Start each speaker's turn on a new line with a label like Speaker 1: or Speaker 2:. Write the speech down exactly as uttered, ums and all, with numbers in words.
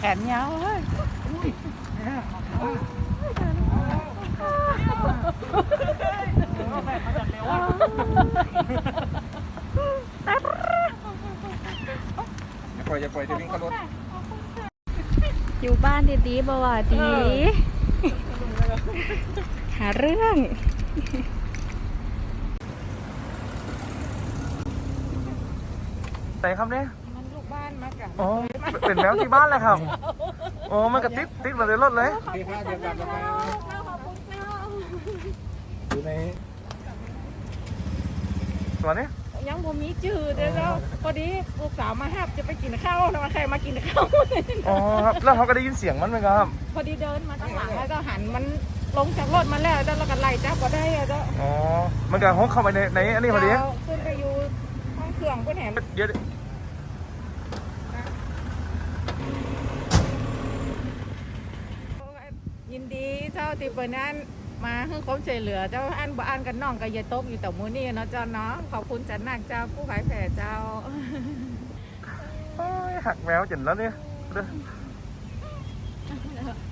Speaker 1: นยาวเลย
Speaker 2: ปล่อยจะปล่อยจะวิ่งเข้ารถ
Speaker 3: อยู่บ้านดีๆบ่ว่าดีหาเรื่อง
Speaker 2: ไหนครับเนี่ย
Speaker 1: มันลูกบ้านมากัน
Speaker 2: อ๋อเป็นแมวที่บ้านเลยครับอ๋อมันกระติดติดมาในรถเลยอยู่ในตัวนี้
Speaker 1: ยังบ่มีจืดเลยแล้วพอดีลูกสาวมาหับจะไปกินข้าวแล้วใครมากินข้าว
Speaker 2: อ๋อครับแล้วเขาก็ได้ยินเสียงมันไหมครับ
Speaker 1: พอดีเดินมาตั้งหลังแล้วก็หันมันลงจากรถมาแล้วแล้วก็ไล่จับก็ได้แล้ว
Speaker 2: อ๋อมันก็ฮกเข้าไปในในอันนี้พอดี
Speaker 1: ขึ้นไปอยู่ห้องเครื่องก็แถม
Speaker 2: เดี๋ยว
Speaker 1: ยินดีเจ้าติเปิลนั้นมาให้ความช่วยเหลือเจ้าอันบ่อันกันน้องกับยายตกอยู่แต่มูนี่เนาะเจ้าเนาะขอบคุณจันนักเจ้าผู้ขายแผ่เจ้า
Speaker 2: หักแมวจิ๋นแล้วเนี่ย